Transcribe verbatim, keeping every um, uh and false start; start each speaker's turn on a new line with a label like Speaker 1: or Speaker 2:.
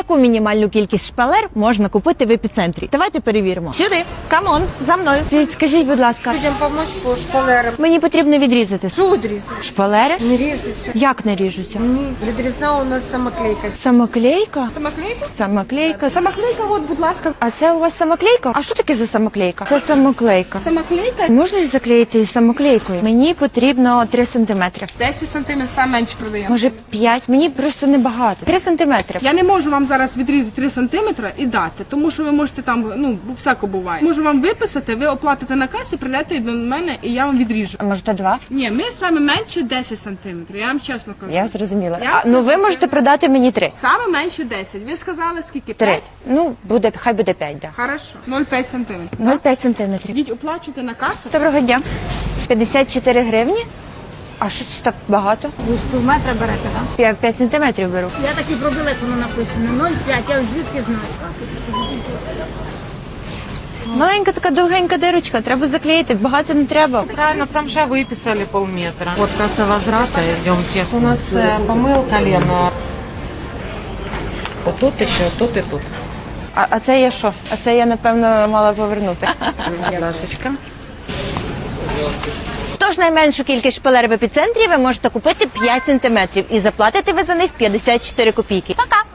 Speaker 1: яку мінімальну кількість шпалер можна купити в епіцентрі? Давайте перевіримо. Сюди, камон, за мною. Скажіть, будь ласка,
Speaker 2: Людям допомогти по шпалерам.
Speaker 1: мені потрібно відрізати.
Speaker 2: Що відрізати?
Speaker 1: Шпалери?
Speaker 2: Не ріжуться.
Speaker 1: Як не ріжуться?
Speaker 2: Ні, відрізна у нас самоклейка.
Speaker 1: Самоклейка?
Speaker 2: Самоклейка?
Speaker 1: Самоклейка.
Speaker 2: Самоклейка, от, будь ласка.
Speaker 1: А це у вас самоклейка? А що таке за самоклейка? Це самоклейка.
Speaker 2: Самоклейка?
Speaker 1: Можна ж заклеїти із самоклейкою? Мені потрібно три сантиметри.
Speaker 3: десять сантиметрів, саме менше продаємо.
Speaker 1: Може п'ять? Мені просто небагато. три сантиметри.
Speaker 3: Я не можу вам зараз відрізати три сантиметри і дати, тому що ви можете там, ну, всяко буває. Можу вам виписати, ви оплатите на касі, прийдете до мене і я вам відріжу.
Speaker 1: А може два?
Speaker 3: Ні, ми саме менше десять сантиметрів, я вам чесно кажу.
Speaker 1: Я зрозуміла.
Speaker 3: Я
Speaker 1: А, ну ви
Speaker 3: скажу,
Speaker 1: можете
Speaker 3: що-
Speaker 1: продати мені три.
Speaker 3: Саме менше десять. Ви сказали скільки?
Speaker 1: Три.
Speaker 3: п'ять?
Speaker 1: Ну, буде, хай буде п'ять, да.
Speaker 3: Хорошо. нуль цілих п'ять сантиметрів.
Speaker 1: нуль цілих п'ять сантиметрів.
Speaker 3: Йдіть, оплачуйте на касу.
Speaker 1: Доброго дня. п'ятдесят чотири гривні? А що це так багато?
Speaker 4: Ви ж пів метра берете, так?
Speaker 1: п'ять сантиметрів беру.
Speaker 4: Я так і пробила, як воно написано. нуль цілих п'ять, я звідки знаю?
Speaker 1: Маленька така довгенька дирочка, треба заклеїти, багато не треба.
Speaker 5: Правильно, там же выписали полметра. Вот касса возврата, идемте. У нас э, помыл колено. Вот тут еще, тут и тут.
Speaker 1: А, а це я що? А це я, напевно, мала повернути.
Speaker 5: Ласочка.
Speaker 1: Тож найменшу кількість шпалер в епіцентрі ви можете купити п'ять сантиметрів і заплатите ви за них п'ятдесят чотири копійки. Пока!